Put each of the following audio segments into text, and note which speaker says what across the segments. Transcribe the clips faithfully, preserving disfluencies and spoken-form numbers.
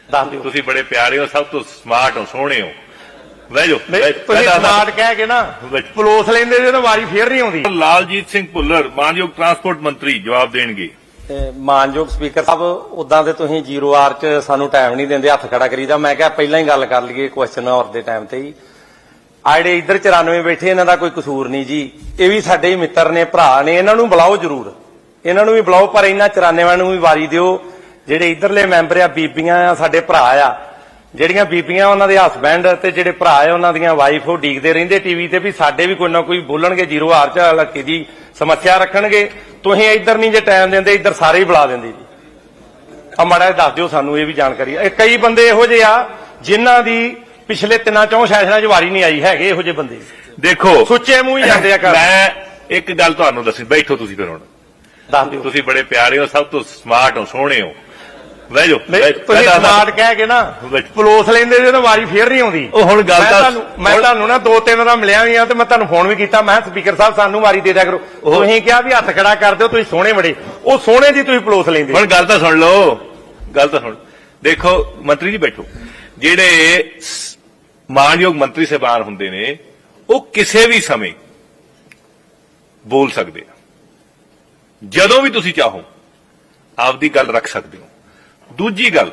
Speaker 1: ਦੱਸ ਦਿਓ।
Speaker 2: ਤੁਸੀਂ ਬੜੇ ਪਿਆਰੇ ਹੋ, ਸਭ ਤੋਂ ਸਮਾਰਟ ਹੋ, ਸੋਹਣੇ ਹੋ। ਬਹਿ ਜਾਓ।
Speaker 1: ਤੁਸੀਂ ਸਮਾਰਟ ਕਹਿ ਕੇ ਨਾ ਪਲੋਸ ਲੈਂਦੇ ਜੇ ਤਾਂ ਵਾਰੀ ਫੇਰ ਨਹੀਂ ਆਉਂਦੀ।
Speaker 2: ਲਾਲਜੀਤ ਸਿੰਘ ਭੁੱਲਰ ਮਾਨਯੋਗ ਟਰਾਂਸਪੋਰਟ ਮੰਤਰੀ ਜਵਾਬ ਦੇਣਗੇ।
Speaker 1: ਮਾਨਯੋਗ ਸਪੀਕਰ ਸਾਹਿਬ, ਉਦਾਂ ਤੇ ਤੁਸੀਂ ਜ਼ੀਰੋ ਆਰ ਚ ਸਾਨੂੰ ਟਾਈਮ ਨਹੀਂ ਦਿੰਦੇ, ਹੱਥ ਖੜਾ ਕਰੀਦਾ। ਮੈਂ ਕਿਹਾ ਪਹਿਲਾਂ ਹੀ ਗੱਲ ਕਰ ਲਈਏ ਕੁਐਸਚਨ ਆਵਰ ਦੇ ਟਾਈਮ ਤੇ ਹੀ। ਆ ਜਿਹੜੇ ਇੱਧਰ ਚੁਰਾਨਵੇਂ ਬੈਠੇ, ਇਹਨਾਂ ਦਾ ਕੋਈ ਕਸੂਰ ਨਹੀਂ ਜੀ, ਇਹ ਵੀ ਸਾਡੇ ਹੀ ਮਿੱਤਰ ਨੇ, ਭਰਾ ਨੇ, ਇਹਨਾਂ ਨੂੰ ਬੁਲਾਓ ਜ਼ਰੂਰ, ਇਹਨਾਂ ਨੂੰ ਵੀ ਬੁਲਾਓ, ਪਰ ਇਹਨਾਂ ਚੁਰਾਨਵੇਂ ਨੂੰ ਵੀ ਵਾਰੀ ਦਿਓ। ਜਿਹੜੇ ਇੱਧਰਲੇ ਮੈਂਬਰ ਆ, ਬੀਬੀਆਂ ਆ, ਸਾਡੇ ਭਰਾ ਆ, ਜਿਹੜੀਆਂ ਬੀਬੀਆਂ ਉਹਨਾਂ ਦੇ ਹਸਬੈਂਡ ਤੇ ਜਿਹੜੇ ਭਰਾ ਆ ਉਹਨਾਂ ਦੀਆਂ ਵਾਈਫ, ਉਹ ਡੀਕਦੇ ਰਹਿੰਦੇ ਟੀਵੀ ਤੇ ਵੀ ਸਾਡੇ ਵੀ ਕੋਈ ਨਾ ਕੋਈ ਬੋਲਣਗੇ, ਜ਼ੀਰੋ ਆਰ ਚ ਇਲਾਕੇ ਦੀ ਸਮੱਸਿਆ ਰੱਖਣਗੇ। ਤੁਸੀਂ ਇੱਧਰ ਨਹੀਂ ਜੇ ਟਾਈਮ ਦਿੰਦੇ, ਇੱਧਰ ਸਾਰੇ ਹੀ ਬੁਲਾ ਦਿੰਦੇ ਜੀ। ਆ ਮਾੜਾ ਦੱਸ ਦਿਓ ਸਾਨੂੰ ਇਹ ਵੀ ਜਾਣਕਾਰੀ। ਇਹ ਕਈ ਬੰਦੇ ਇਹੋ ਜਿਹੇ ਆ ਜਿਨ੍ਹਾਂ ਦੀ ਪਿਛਲੇ ਤਿੰਨਾਂ ਚੌਂ ਸੈਸ਼ਨਾਂ ਚ ਵਾਰੀ ਨਹੀਂ ਆਈ, ਹੈਗੇ ਇਹੋ ਜਿਹੇ ਬੰਦੇ।
Speaker 2: ਦੇਖੋ
Speaker 1: ਸੁੱਚੇ ਮੂੰਹ ਹੀ ਜਾਂਦੇ ਆ ਕਰ।
Speaker 2: ਮੈਂ ਇੱਕ ਗੱਲ ਤੁਹਾਨੂੰ ਦੱਸੀ, ਬੈਠੋ ਤੁਸੀਂ ਫਿਰ ਹੁਣ
Speaker 1: ਦੱਸ ਦਿਓ।
Speaker 2: ਤੁਸੀਂ ਬੜੇ ਪਿਆਰੇ ਹੋ, ਸਭ ਤੋਂ ਸਮਾਰਟ ਹੋ, ਸੋਹਣੇ ਹੋ। ਬਹਿ ਜਾਓ।
Speaker 1: ਤੁਸੀਂ ਸਮਾਰਟ ਕਹਿ ਕੇ ਨਾ ਪਲੋਸ ਲੈਂਦੇ ਜੇ ਤਾਂ ਵਾਰੀ ਫੇਰ ਨਹੀਂ ਆਉਂਦੀ।
Speaker 2: ਉਹ ਹੁਣ ਗੱਲ ਤਾਂ
Speaker 1: ਮੈਂ ਤੁਹਾਨੂੰ ਨਾ ਦੋ ਤਿੰਨ ਵਾਰ ਮਿਲਿਆ ਵੀ ਆ ਤੇ ਮੈਂ ਤੁਹਾਨੂੰ ਫੋਨ ਵੀ ਕੀਤਾ, ਮੈਂ ਸਪੀਕਰ ਸਾਹਿਬ ਸਾਨੂੰ ਵਾਰੀ ਦੇ ਦਿਆ ਕਰੋ। ਤੁਸੀਂ ਕਿਹਾ ਵੀ ਹੱਥ ਖੜਾ ਕਰ ਦਿਓ, ਤੁਸੀਂ ਸੋਹਣੇ ਬੜੇ, ਉਹ ਸੋਹਣੇ ਦੀ ਤੁਸੀਂ ਪਲੋਸ ਲੈਂਦੇ।
Speaker 2: ਹੁਣ ਗੱਲ ਤਾਂ ਸੁਣ ਲਓ, ਗੱਲ ਤਾਂ ਸੁਣ। ਦੇਖੋ ਮੰਤਰੀ ਜੀ ਬੈਠੋ, ਜਿਹੜੇ ਮਾਨਯੋਗ ਮੰਤਰੀ ਸਾਹਿਬਾਨ ਹੁੰਦੇ ਨੇ ਉਹ ਕਿਸੇ ਵੀ ਸਮੇਂ ਬੋਲ ਸਕਦੇ ਆ, ਜਦੋਂ ਵੀ ਤੁਸੀਂ ਚਾਹੋ ਆਪਦੀ ਗੱਲ ਰੱਖ ਸਕਦੇ ਹੋ। ਦੂਜੀ ਗੱਲ,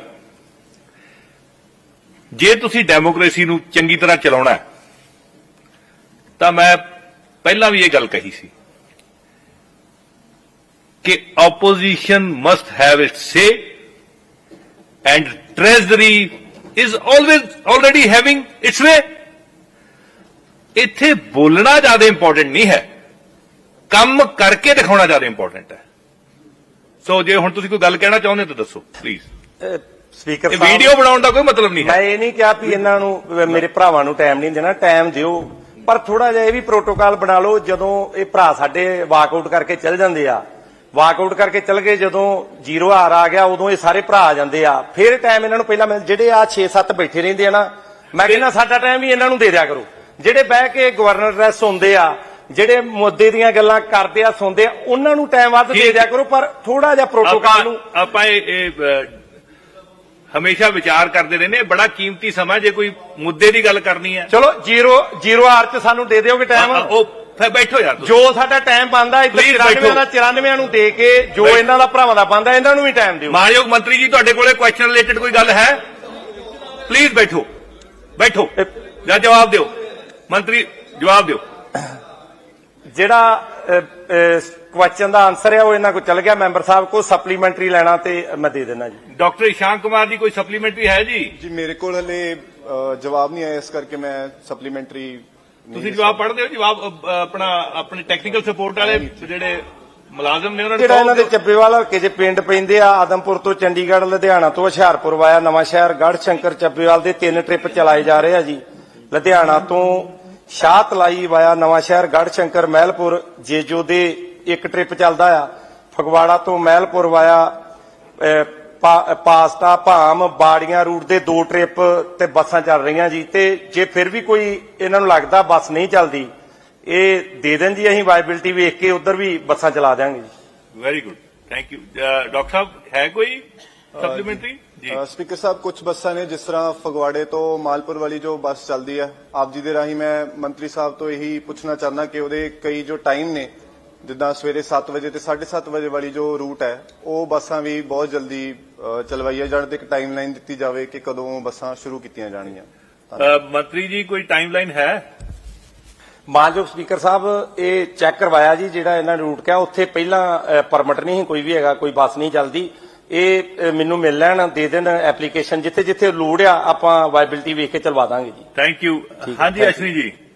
Speaker 2: ਜੇ ਤੁਸੀਂ ਡੈਮੋਕ੍ਰੇਸੀ ਨੂੰ ਚੰਗੀ ਤਰ੍ਹਾਂ ਚਲਾਉਣਾ ਹੈ ਤਾਂ ਮੈਂ ਪਹਿਲਾਂ ਵੀ ਇਹ ਗੱਲ ਕਹੀ ਸੀ ਕਿ opposition must have its say and treasury is always already having its way. ਇੱਥੇ ਬੋਲਣਾ ਜ਼ਿਆਦਾ ਇੰਪੋਰਟੈਂਟ ਨਹੀਂ ਹੈ, ਕੰਮ ਕਰਕੇ ਦਿਖਾਉਣਾ ਜ਼ਿਆਦਾ ਇੰਪੋਰਟੈਂਟ ਹੈ। ਸੋ ਜੇ ਹੁਣ ਤੁਸੀਂ ਕੋਈ ਗੱਲ ਕਹਿਣਾ ਚਾਹੁੰਦੇ ਤਾਂ ਦੱਸੋ ਪਲੀਜ਼।
Speaker 1: ਸਪੀਕਰ
Speaker 2: ਸਾਹਿਬ, ਵੀਡੀਓ ਬਣਾਉਣ ਦਾ ਕੋਈ ਮਤਲਬ ਨਹੀਂ ਹੈ।
Speaker 1: ਮੈਂ ਇਹ ਨਹੀਂ ਕਿਹਾ ਵੀ ਇਹਨਾਂ ਨੂੰ, ਮੇਰੇ ਭਰਾਵਾਂ ਨੂੰ ਟਾਈਮ ਨਹੀਂ ਦੇਣਾ, ਟਾਈਮ ਦਿਓ, ਪਰ ਥੋੜਾ ਜਿਹਾ ਇਹ ਵੀ ਪ੍ਰੋਟੋਕਾਲ ਬਣਾ ਲਓ। ਜਦੋਂ ਇਹ ਭਰਾ ਸਾਡੇ ਵਾਕਆਊਟ ਕਰਕੇ ਚੱਲ ਜਾਂਦੇ ਆ, ਵਾਕਆਊਟ ਕਰਕੇ ਚੱਲ ਗਏ, ਜਦੋਂ ਜ਼ੀਰੋ ਆਰ ਆ ਗਿਆ ਉਦੋਂ ਇਹ ਸਾਰੇ ਭਰਾ ਆ ਜਾਂਦੇ ਆ, ਫਿਰ ਟਾਈਮ ਇਹਨਾਂ ਨੂੰ ਪਹਿਲਾਂ ਮਿਲ। ਜਿਹੜੇ ਆ ਛੇ ਸੱਤ ਬੈਠੇ ਰਹਿੰਦੇ ਆ ਨਾ, ਮੈਂ ਕਹਿੰਦਾ ਸਾਡਾ ਟਾਈਮ ਵੀ ਇਹਨਾਂ ਨੂੰ ਦੇ ਦਿਆ ਕਰੋ। ਜਿਹੜੇ ਬਹਿ ਕੇ ਗਵਰਨਰ ਐਡਰੈਸ ਸੁਣਦੇ ਆ, ਜਿਹੜੇ ਮੁੱਦੇ ਦੀਆਂ ਗੱਲਾਂ ਕਰਦੇ ਆ, ਸੁਣਦੇ ਆ, ਉਹਨਾਂ ਨੂੰ ਟਾਈਮ ਵੱਧ ਦੇ ਦਿਆ ਕਰੋ, ਪਰ ਥੋੜਾ ਜਿਹਾ ਪ੍ਰੋਟੋਕਾਲ ਨੂੰ
Speaker 2: ਆਪਾਂ ਇਹ ਹਮੇਸ਼ਾ ਵਿਚਾਰ ਕਰਦੇ ਰਹਿੰਦੇ। ਬੜਾ ਕੀਮਤੀ ਸਮਾਂ, ਜੇ ਕੋਈ ਮੁੱਦੇ ਦੀ ਗੱਲ ਕਰਨੀ ਹੈ।
Speaker 1: ਚਲੋ ਜ਼ੀਰੋ ਜ਼ੀਰੋ ਆਰ ਚ ਸਾਨੂੰ ਦੇ ਦਿਓਗੇ ਟਾਈਮ।
Speaker 2: ਉਹ ਫਿਰ ਬੈਠੋ ਯਾਰ,
Speaker 1: ਜੋ ਸਾਡਾ ਟਾਈਮ ਬਣਦਾ ਇੱਧਰ ਚੁਰਾਨਵੇਂ ਦਾ ਚੁਰਾਨਵੇਂ ਨੂੰ ਦੇ ਕੇ, ਜੋ ਇਹਨਾਂ ਦਾ ਭਰਾਵਾਂ ਦਾ ਬਣਦਾ ਇਹਨਾਂ ਨੂੰ ਵੀ ਟਾਈਮ ਦਿਓ।
Speaker 2: ਮਾਨਯੋਗ ਮੰਤਰੀ ਜੀ, ਤੁਹਾਡੇ ਕੋਲੇ ਕੁਐਸਚਨ ਰਿਲੇਟਡ ਕੋਈ ਗੱਲ ਹੈ? ਪਲੀਜ਼ ਬੈਠੋ, ਬੈਠੋ ਜਾਂ ਜਵਾਬ ਦਿਓ। ਮੰਤਰੀ ਜਵਾਬ ਦਿਓ।
Speaker 1: ਜਿਹੜਾ ਕੁਐਸਚਨ ਦਾ ਆਨਸਰ ਹੈ ਉਹ ਇਹਨਾਂ ਕੋਲ ਚੱਲ ਗਿਆ, ਮੈਂਬਰ ਸਾਹਿਬ ਕੋ ਸਪਲੀਮੈਂਟਰੀ ਲੈਣਾ ਤੇ ਮੈਂ ਦੇ ਦੇਣਾ ਜੀ।
Speaker 2: ਡਾਕਟਰ ਇਸ਼ਾਂਕ ਕੁਮਾਰ ਜੀ, ਕੋਈ ਸਪਲੀਮੈਂਟਰੀ ਹੈ ਜੀ?
Speaker 3: ਜੀ ਮੇਰੇ ਕੋਲ ਹਲੇ ਜਵਾਬ ਨਹੀਂ ਆਇਆ, ਇਸ ਕਰਕੇ ਮੈਂ ਸਪਲੀਮੈਂਟਰੀ।
Speaker 2: ਤੁਸੀਂ ਜਵਾਬ ਪੜ੍ਹਦੇ ਹੋ? ਜਵਾਬ ਆਪਣਾ ਆਪਣੇ ਟੈਕਨੀਕਲ ਸਪੋਰਟ ਵਾਲੇ ਜਿਹੜੇ ਮੁਲਾਜ਼ਮ ਨੇ ਉਹਨਾਂ ਨੂੰ
Speaker 1: ਜਿਹੜਾ ਇਹਨਾਂ ਦੇ ਚੱਬੇਵਾਲ ਹਲਕੇ 'ਚ ਪਿੰਡ ਪੈਂਦੇ ਆ, ਆਦਮਪੁਰ ਤੋਂ ਚੰਡੀਗੜ੍ਹ, ਲੁਧਿਆਣਾ ਤੋਂ ਹੁਸ਼ਿਆਰਪੁਰ ਵਾਇਆ ਨਵਾਂ ਸ਼ਹਿਰ, ਗੜ੍ਹ ਸ਼ੰਕਰ, ਚੱਬੇਵਾਲ ਦੇ ਤਿੰਨ ਟ੍ਰਿਪ ਚਲਾਏ ਜਾ ਰਹੇ ਆ ਜੀ। ਲੁਧਿਆਣਾ ਤੋਂ ਸ਼ਾਹ ਤਲਾਈ ਵਾਇਆ ਨਵਾਂ ਸ਼ਹਿਰ, ਗੜ੍ਹ ਸ਼ੰਕਰ, ਮਹਿਲਪੁਰ, ਜੇਜੋ ਦੇ ਇੱਕ ਟ੍ਰਿਪ ਚੱਲਦਾ ਆ। ਫਗਵਾੜਾ ਤੋਂ ਮਹਿਲਪੁਰ ਵਾਇਆ ਪਾਸਟਾ, ਭਾਮ, ਬਾੜੀਆਂ ਰੂਟ ਦੇ ਦੋ ਟ੍ਰਿਪ ਤੇ ਬੱਸਾਂ ਚੱਲ ਰਹੀਆਂ ਜੀ। ਤੇ ਜੇ ਫਿਰ ਵੀ ਕੋਈ ਇਹਨਾਂ ਨੂੰ ਲੱਗਦਾ ਬੱਸ ਨਹੀਂ ਚੱਲਦੀ, ਇਹ ਦੇ ਦੇਣ ਜੀ, ਅਸੀਂ ਵਾਇਬਿਲਿਟੀ ਵੇਖ ਕੇ ਉਧਰ ਵੀ ਬੱਸਾਂ ਚਲਾ ਦਿਆਂਗੇ ਜੀ।
Speaker 2: Very good, thank you. Doctor ਸਾਹਿਬ, ਹੈ ਕੋਈ ਸਪਲੀਮੈਂਟਰੀ ਜੀ?
Speaker 3: ਸਪੀਕਰ ਸਾਹਿਬ, ਕੁਝ ਬੱਸਾਂ ਨੇ, ਜਿਸ ਤਰ੍ਹਾਂ ਫਗਵਾੜੇ ਤੋਂ ਮਾਲਪੁਰ ਵਾਲੀ ਜੋ ਬੱਸ ਚੱਲਦੀ ਹੈ, ਆਪ ਜੀ ਦੇ ਰਾਹੀਂ ਮੈਂ ਮੰਤਰੀ ਸਾਹਿਬ ਤੋਂ ਇਹੀ ਪੁੱਛਣਾ ਚਾਹੁੰਦਾ ਕਿ ਉਹਦੇ ਕਈ ਜੋ ਟਾਈਮ ਨੇ, ਜਿੱਦਾਂ ਸਵੇਰੇ ਸੱਤ ਵਜੇ ਤੇ ਸਾਢੇ ਸੱਤ ਵਜੇ ਵਾਲੀ ਜੋ ਰੂਟ ਹੈ, ਉਹ ਬੱਸਾਂ ਵੀ ਬਹੁਤ ਜਲਦੀ ਚਲਵਾਈਆਂ ਜਾਣ ਤੇ ਇੱਕ ਟਾਈਮ ਲਾਈਨ ਦਿੱਤੀ ਜਾਵੇ ਕਿ ਕਦੋਂ ਬੱਸਾਂ ਸ਼ੁਰੂ ਕੀਤੀਆਂ ਜਾਣਗੀਆਂ।
Speaker 2: ਮੰਤਰੀ ਜੀ, ਕੋਈ ਟਾਈਮ ਲਾਈਨ ਹੈ?
Speaker 1: ਮਾਨਯੋਗ ਸਪੀਕਰ ਸਾਹਿਬ, ਇਹ ਚੈੱਕ ਕਰਵਾਇਆ ਜੀ, ਜਿਹੜਾ ਇਹਨਾਂ ਨੇ ਰੂਟ ਕਿਹਾ ਉੱਥੇ ਪਹਿਲਾਂ ਪਰਮਿਟ ਨਹੀਂ ਕੋਈ ਵੀ ਹੈਗਾ, ਕੋਈ ਬੱਸ ਨਹੀਂ ਚੱਲਦੀ। ਇਹ ਮੈਨੂੰ ਮਿਲ ਲੈਣ, ਦੇ ਦੇਣ ਐਪਲੀਕੇਸ਼ਨ, ਜਿੱਥੇ ਜਿੱਥੇ ਲੋੜ ਆ ਆਪਾਂ ਵਾਇਬਿਲਿਟੀ ਵੇਖ ਕੇ ਚਲਵਾ ਦਾਂਗੇ ਜੀ।
Speaker 2: Thank you. ਹਾਂਜੀ ਅਸ਼ਵਨੀ ਜੀ।